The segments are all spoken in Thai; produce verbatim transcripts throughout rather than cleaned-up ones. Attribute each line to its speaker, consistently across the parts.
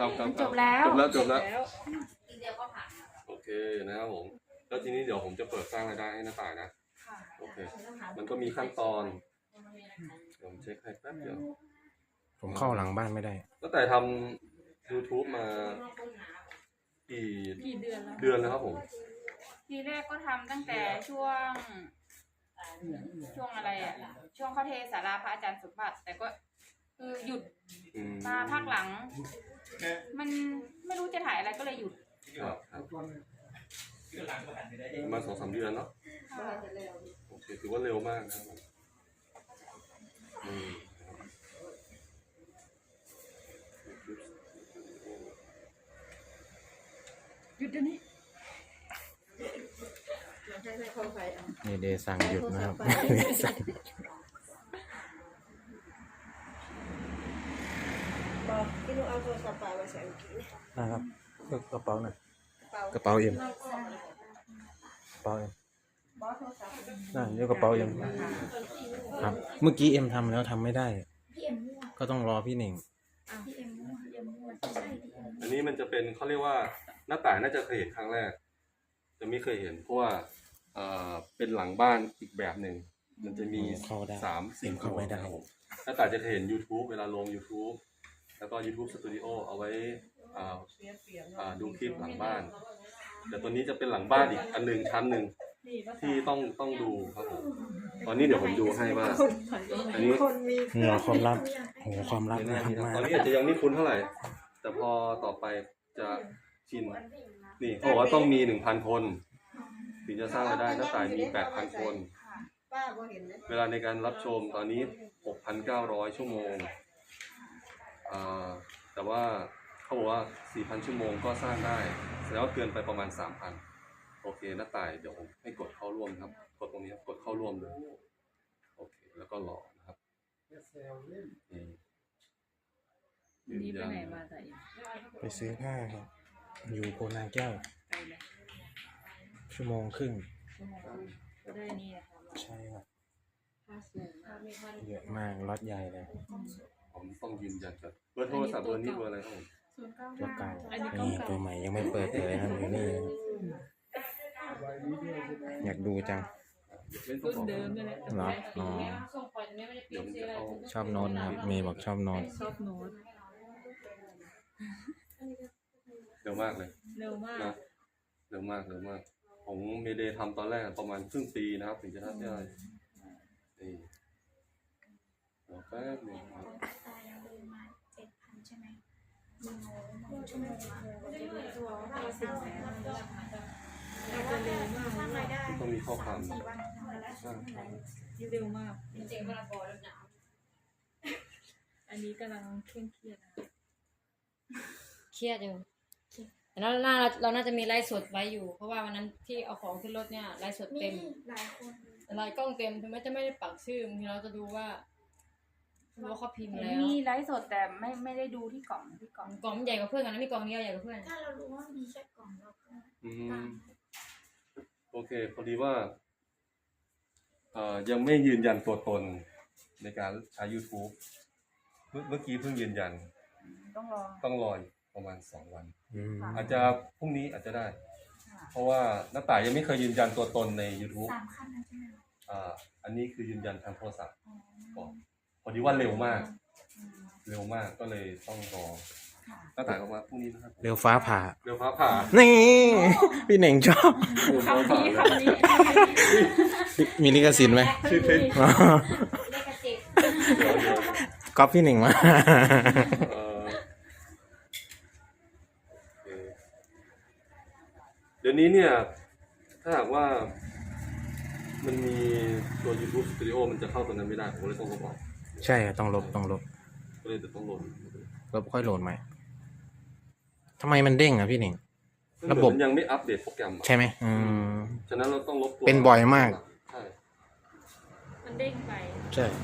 Speaker 1: ครับครับ
Speaker 2: จบแล้ว
Speaker 1: จบแล้วจบแล้วโอเคนะครับผมแล้วทีนี้เดี๋ยวผมจะเปิดสร้างรายได้ให้น้าต่ายนะโอเคมันก็มีขั้นตอนผมเช็คให้แป๊บเดียว
Speaker 3: ผมเข้าหลังบ้านไม่ได้
Speaker 1: ตั้งแต่ทำ YouTube มากี่
Speaker 2: กี่เดือนแล้ว
Speaker 1: เดือนแล้วครับผม
Speaker 2: ทีแรกก็ทำตั้งแต่ช่วงช่วงอะไรอ่ะช่วงเข้าเทศาราพระอาจารย์สมบัติแต่ก็คือหยุดมาภาคหลังมันไม่รู้จะถ่ายอะไรก็เลยหยุด
Speaker 1: ครับครับมาสองสามเดือนเนาะโอเคถือว่าเร็วมากนะครับผมอืม
Speaker 2: หยุดเดี๋ยวนี้
Speaker 3: นี่เดสั่งหยุดนะครับ
Speaker 4: บอกพี่นุเอาโทรศัพท์ไปมาใส่เมื่อกี้
Speaker 3: นะครับกระเป๋าหน่อยกระเป๋าเอ็มกระเป๋าเอ็มนั่นเรียกกระเป๋าเอ็มครับเมื่อกี้เอ็มทำแล้วทำไม่ได้ก็ต้องรอพี่หนิง
Speaker 1: อันนี้มันจะเป็นเขาเรียกว่าหน้าต่างน่าจะเคยเห็นครั้งแรกจะไม่เคยเห็นเพราะว่าเอ่อเป็นหลังบ้านอีกแบบหนึ่งมันจะมีสามสี่
Speaker 3: เข้าไม่ได้
Speaker 1: หน้าต่างจะเคยเห็น YouTube เวลาลง YouTube แล้วก็ YouTube Studio เอาไว้อ่าอ่าดูคลิปหลังบ้านแต่ตัวนี้จะเป็นหลังบ้านอีกอันหนึ่งชั้นหนึ่งที่ต้องต้องดูครับผมตอนนี้เดี๋ยวผมดูให้ว่าอันนี้
Speaker 3: เหนือความลับโหความลับนะมาก
Speaker 1: ตอนนี้อาจจะยังไม่คุ้นเท่าไหร่แต่พอต่อไปจะชินนี่เขาบอกว่าต้องมีหนึ่งพันคนถึงจะสร้างรายได้หน้าต่างมีแปดพันคนเวลาในการรับชมตอนนี้ หกพันเก้าร้อย ชั่วโมงอ่าแต่ว่าเขาบอกว่า สี่พัน ชั่วโมงก็สร้างได้แสดงว่าเกินไปประมาณ สามพัน โอเคหน้าต่ายเดี๋ยวผมให้กดเข้าร่วมครับกดตรงนี้กดเข้าร่วมเลยโอเคแล้วก็รอนะครับนี่
Speaker 2: นี่ไปไหนมาแต่
Speaker 3: ไปซื้อผ้าครับอยู่โพนาแก้วชั่วโมงครึ่ง
Speaker 2: ก็ได้นี่นะคะ
Speaker 3: ใช่ครับเยอะมากรถใหญ่เลย
Speaker 1: ผมต้องยืนยันครับเบอร์โทรศัพท์เบอร์นี้เบอร์อะไรครับผม
Speaker 3: ตัวเก่านี่ตัวใหม่ยังไม่เปิดเลยนะอยู่นี่อยากดูจัง
Speaker 2: รุ่นเดิมนี่แหละ
Speaker 3: เหรออ๋อชอบโน้ตนะครับเมย์บอกชอบโน้ต
Speaker 2: ชอบโน้ต
Speaker 1: เร็วมากเลย
Speaker 2: เร็วมาก
Speaker 1: นะเร็วมากเร็วมากผมเมเดย์ทำตอนแรกประมาณครึ่งปีนะครับถึงจะทำได้นี่แป๊บนึงครับต้องมีข้อความ
Speaker 2: เร็วมากอันนี้กำลังเคร่งเครียด
Speaker 5: เครียดอยู่แต่เราน่าเราน่าจะมีไลฟ์สดไว้อยู่เพราะว่าวันนั้นที่เอาของขึ้นรถเนี่ยไลฟ์สดเต็มหลายคนหลายกล้องเต็มถึงแม้จะไม่ได้ปักชื่อบางทีเราจะดูว่าดูว่าเขาพิมพ์แล้ว
Speaker 2: มีไลฟ์สดแต่ไม่ไม่ได้ดูที่กล่องที่กล่อง
Speaker 5: กล่องใหญ่กว่าเพื่อนกันนะมีกล่องเดียวใหญ่กว่าเพื่อน
Speaker 4: ถ้าเรารู้ว่ามีแค่กล่องเราก็
Speaker 1: อืมโอเคพอดีว่าเอ่อยังไม่ยืนยันตัวตนในการใช้ YouTube เมื่อเมื่อกี้เพิ่งยืนยัน
Speaker 2: ต้องรอ
Speaker 1: ต้องรอประมาณสองวันอาจจะพรุ่งนี้อาจจะได้เพราะว่าน้าต่ายยังไม่เคยยืนยันตัวตนใน YouTube
Speaker 4: สามขั้นนะใช่ไหม
Speaker 1: อ่าอันนี้คือยืนยันทางโทรศัพท์ก่อนพอดีว่าเร็วมากเร็วมากก็เลยต้องรอน้าต่ายออกมาพรุ่งนี้นะครับ
Speaker 3: เร็วฟ้าผ่า
Speaker 1: เร็วฟ้าผ่า
Speaker 3: นี่พี่เหน่งชอบ
Speaker 2: คำนี้คำนี้
Speaker 3: มีลิขสิทธิ์ไหม
Speaker 1: ชื่อเพลง
Speaker 5: เลขสิบ
Speaker 3: ก๊อปพี่เหน่งมา
Speaker 1: เดี๋ยวนี้เนี่ยถ้าหากว่ามันมีตัว YouTube Studio มันจะเข้าตัวนั้นไม่ได้ผมเลยต้องลบออก
Speaker 3: ใช่ต้องลบต้องลบ
Speaker 1: ก็เลยจะต้องลบ
Speaker 3: ลบค่อยโหลดใหม่ทำไมมันเด้งอ่ะพี่หนิง
Speaker 1: ระบบยังไม่อัปเดตโปรแกรม
Speaker 3: ใช่ไหมอืม
Speaker 1: ฉะนั้นเราต้องลบตัว
Speaker 3: เป็นบ่อยมาก
Speaker 1: ใช่
Speaker 2: มันเด้งไป
Speaker 3: ใช่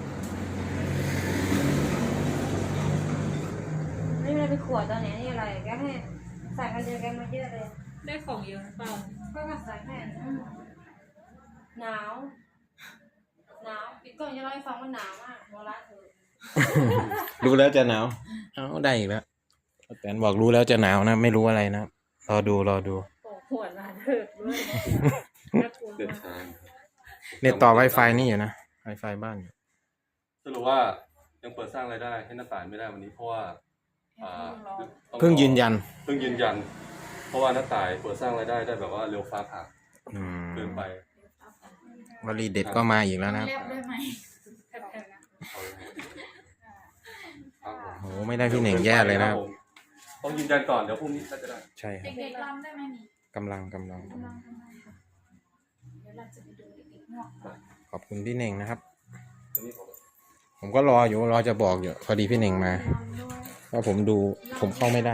Speaker 5: นี่มันเป็นขวดตอนไหนนี่อะไรแกให้ใส่กันเยอะแกมาเยอะเลย
Speaker 2: ได้ของเยอะเปล่า
Speaker 5: ก็มาใส่แค่หนาวหนาวปิดกล้องจะเล่าให้ฟังว่าหนาวมากโมละเธอ
Speaker 3: ดูแล้วจะหนาวเอาได้อีกแล้วแตนบอกรู้แล้วจะหนาวนะไม่รู้อะไรนะรอดูรอดู
Speaker 5: โอ้หัวหน้าเถิดด้วยน่ากลัว
Speaker 1: เดิน
Speaker 5: มาก
Speaker 1: ทาง
Speaker 3: เน็ตต่อ Wi-Fi นี่อยู่นะ Wi-Fi บ้านอยู่
Speaker 1: สรุปว่ายังเปิดสร้างรายได้ให้น้าต่ายไม่ได้วันนี้เพราะว่าอ่าต้อง
Speaker 3: เพิ่งยืนยัน
Speaker 1: เพิ่งยืนยัน เพราะว่าน้าต่ายเปิดสร้างรายได้ได้แบบว่าเร็วฟ้าผ่า
Speaker 3: อืม
Speaker 1: เกินไป
Speaker 3: วลีเด็ดก็มาอีกแล้วนะครับ
Speaker 2: เรียบได้ไหมแผ่นๆนะ
Speaker 1: เอาเลยครับผม
Speaker 3: โอ้โหไม่ได้พี่เหน่งแย่เลยนะครับ
Speaker 1: ผมต้องยืนยันก่อนเดี๋ยวพรุ่งนี้ก็จะได้
Speaker 3: ใช่ครับ
Speaker 2: เด็กๆรำได้ไหมนี่
Speaker 3: กำลังกำลัง
Speaker 2: กำลังทำไมคะเดี๋ยวเราจะไปดูเด็กๆนอกก่อน
Speaker 3: ขอบคุณพี่เหน่งนะครับ
Speaker 1: อันนี้ผม
Speaker 3: ผมก็รออยู่รอจะบอกอยู่พอดีพี่เหน่งมาว่าผมดูผมเข้าไม่ได้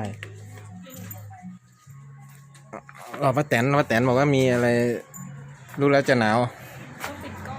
Speaker 3: รอป้าแตนป้าแตนบอกว่ามีอะไรรู้แล้วจะหนาว
Speaker 2: ต้องปิดกล้อง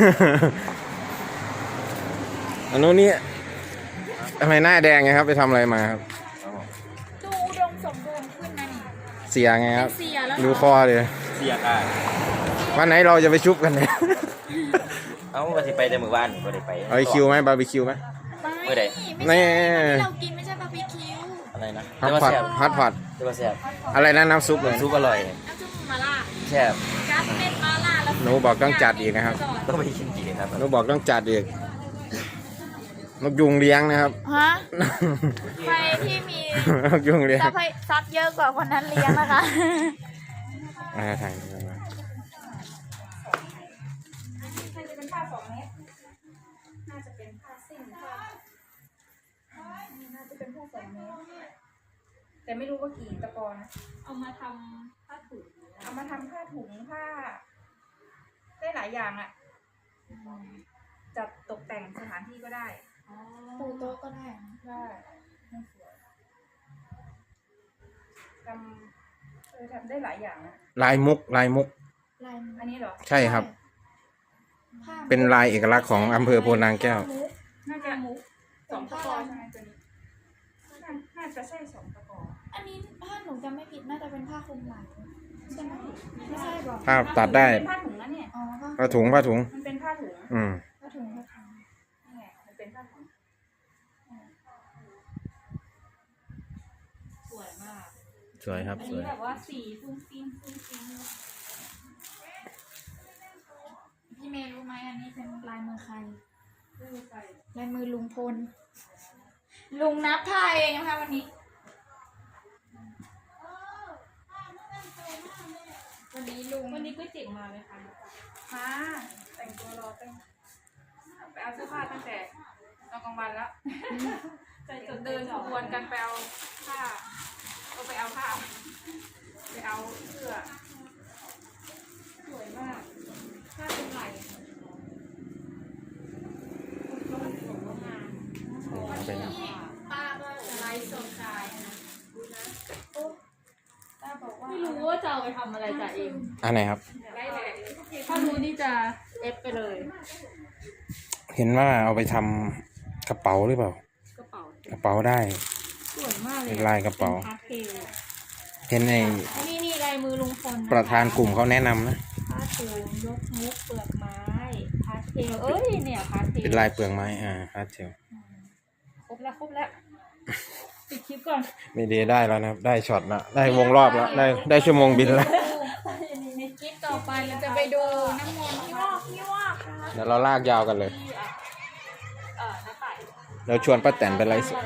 Speaker 3: อันนู้นนี่ทำไมหน้าแดงไงครับไปทำอะไรมาครับ
Speaker 2: ดูอุดมสมบูรณ์ขึ้นนะนี่
Speaker 3: เสียไงครับ
Speaker 2: เสียแล้ว
Speaker 3: ดูคอเลย
Speaker 6: เสียค่ะ
Speaker 3: วันไหนเราจะไปชุบกันเนี่ย
Speaker 6: เอ้าว่าสิไปแต่มื้อวานบ่ได้ไป
Speaker 3: เอาคิวไหมบาร์บีคิวไหม
Speaker 6: เมื่อใด
Speaker 2: ไม่ใช่
Speaker 3: แน่
Speaker 2: ที่เรากินไม่ใช่บาร์บีคิว
Speaker 6: อะไรนะ
Speaker 3: ฮอต
Speaker 6: แต่ว่า
Speaker 3: พอต
Speaker 6: แซ่บ
Speaker 3: ฮอตพอต
Speaker 6: แต่ว่าแซ่บ
Speaker 3: อะไรนะน้ำซุปเลย
Speaker 6: ซุปอร่อย
Speaker 2: น้ำซุปมาล่า
Speaker 6: แซ่บ
Speaker 2: กัสเป็นมาล่าแล้ว
Speaker 3: หนูบอกต้องจัดอีกนะครับ
Speaker 6: ต้องไปกินกี่ครับ
Speaker 3: หนูบอกต้องจัดอีกนกยุงเลี้ยงนะครับ
Speaker 2: ฮะใครที่มี
Speaker 3: นกยุงเลี้ยง
Speaker 2: ซับให้ซับเยอะกว่าคนนั้นเลี้ยงนะคะ
Speaker 3: มาถ่ายดูกันมา
Speaker 2: น่าจะเป็นผ้าสองเมตรน่าจะเป็นผ้าสิ้นผ้าน่าจะเป็นผ้าสองเมตรแต่ไม่รู้ว่ากี่ตะกอนะ เอามาทำผ้าถุงเอามาทำผ้าถุงผ้า ได้หลายอย่างอะจัดตกแต่งสถานที่ก็ได้ปูโต๊ะก็ได้ได้ไม่สวยทำเออทำได้หลายอย่างนะ
Speaker 3: ลายมุกลายมุก
Speaker 2: ลายอันนี้เหรอ
Speaker 3: ใช่ครับ เป็นลายเอกลักษณ์ของอำเภอโพนางแก้ว
Speaker 2: น่าจะมุกสองตะกอใช่ไหมตัวนี้น่าน่าจะใช่สองตะกอ
Speaker 7: อันนี้ถ้าหนูจำไม่ผิดน่าจะเป็นผ้าคลุมไหล่ใช่ไหมไม่ใช่บอก
Speaker 3: ภาพตัดได้
Speaker 2: เป็นผ้าถุงนะเนี่ย
Speaker 7: อ๋อผ้า
Speaker 3: ผ้าถุงผ้าถุง
Speaker 2: มันเป็นผ้าถุง
Speaker 3: อืม
Speaker 7: ผ้าถุงผ้าถุง
Speaker 2: นี่ไงมันเป็นผ้าถุง
Speaker 5: สวยมาก
Speaker 3: สวยครับ
Speaker 2: อัน
Speaker 3: ส
Speaker 2: นี้
Speaker 3: วย
Speaker 2: แบบว่าสีฟุ้งฟิ้งฟุ้งฟิ้ง
Speaker 7: พี่เมย์รู้ไหมอันนี้เป็นลายมือใคร
Speaker 2: ดูไป
Speaker 7: ลายมือลุงพล ลุงนับผ้าเองนะคะวันนี้
Speaker 2: วันนี้ลุง
Speaker 5: วันนี้ก๋วยเตี๋ยวมาไหมคะ
Speaker 2: มาแต่งตัวรอตั้งไปเอาเสื้อผ้าตั้งแต่ตอนกลางวันแล้ว
Speaker 5: ใจจด
Speaker 2: เดินขบวนกันไปเอาผ้าก็ไปเอาผ้าไปเอาเสื้อสวยมากผ้าเป็นไหล
Speaker 3: เป็น
Speaker 2: ป้าก็จะไลฟ์สดขายนะดูนะโอ้ป้าบอกว่า
Speaker 5: ไม่รู้ว่าจะเอาไปทำอะไรจ่าเอง
Speaker 3: อันไหนครับ
Speaker 2: ไลฟ์แหละ
Speaker 5: ถ้ารู้นี่จะเอฟไปเลย
Speaker 3: เห็นว่าเอาไปทำกระเป๋าหรือเปล่า
Speaker 5: กระเป๋าก
Speaker 3: ระเป๋าได้
Speaker 5: สวยมากเลย
Speaker 3: เป็นลายกระเป๋า
Speaker 5: พาสเทล
Speaker 3: เห็นใน
Speaker 5: อันนี้นี่ลายมือลุงพล
Speaker 3: ประธานกลุ่มเขาแนะนำนะ
Speaker 5: ผ้าถุงยกมุกเปลือกไม้พาสเทลเอ้ยเนี่ยพาสเทล
Speaker 3: เป็นลายเปลืองไม้อ่าพาสเทล
Speaker 5: ครบแล้วครบแล้วปิดคลิปก่อน
Speaker 3: มีเดย์ได้แล้วนะครับ ได้ช็อตละได้วงรอบแล้วได้ได้ชั่วโมงบินแล้ว
Speaker 7: ในคลิปต่อไปเราจะไปดูน้ำมนต์ที่ว่าที่ว่า
Speaker 3: เดี๋ยวเราลากยาวกันเลย
Speaker 5: ที่อ่ะเอ่อน้าต่าย
Speaker 3: เราชวนป้าแตนไปไลฟ์สด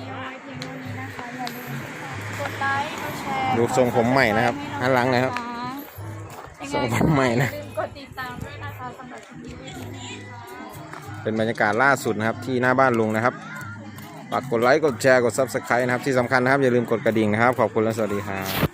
Speaker 7: กดไลค์กดแชร์
Speaker 3: ดูทรงผมใหม่นะครับหันหลังนะครับ ทรงผมใหม่นะ
Speaker 7: อย่าลืมกดติดตามด้วยนะคะสำหรับคลิปนี้ไว้ที่นี่ค่ะ
Speaker 3: เป็นบรรยากาศล่าสุดนะครับ ที่หน้าบ้านลุงนะครับฝากกดไลค์กดแชร์กด ซับสไครบ์ นะครับที่สำคัญนะครับอย่าลืมกดกระดิ่งนะครับ ขอบคุณและสวัสดีครับ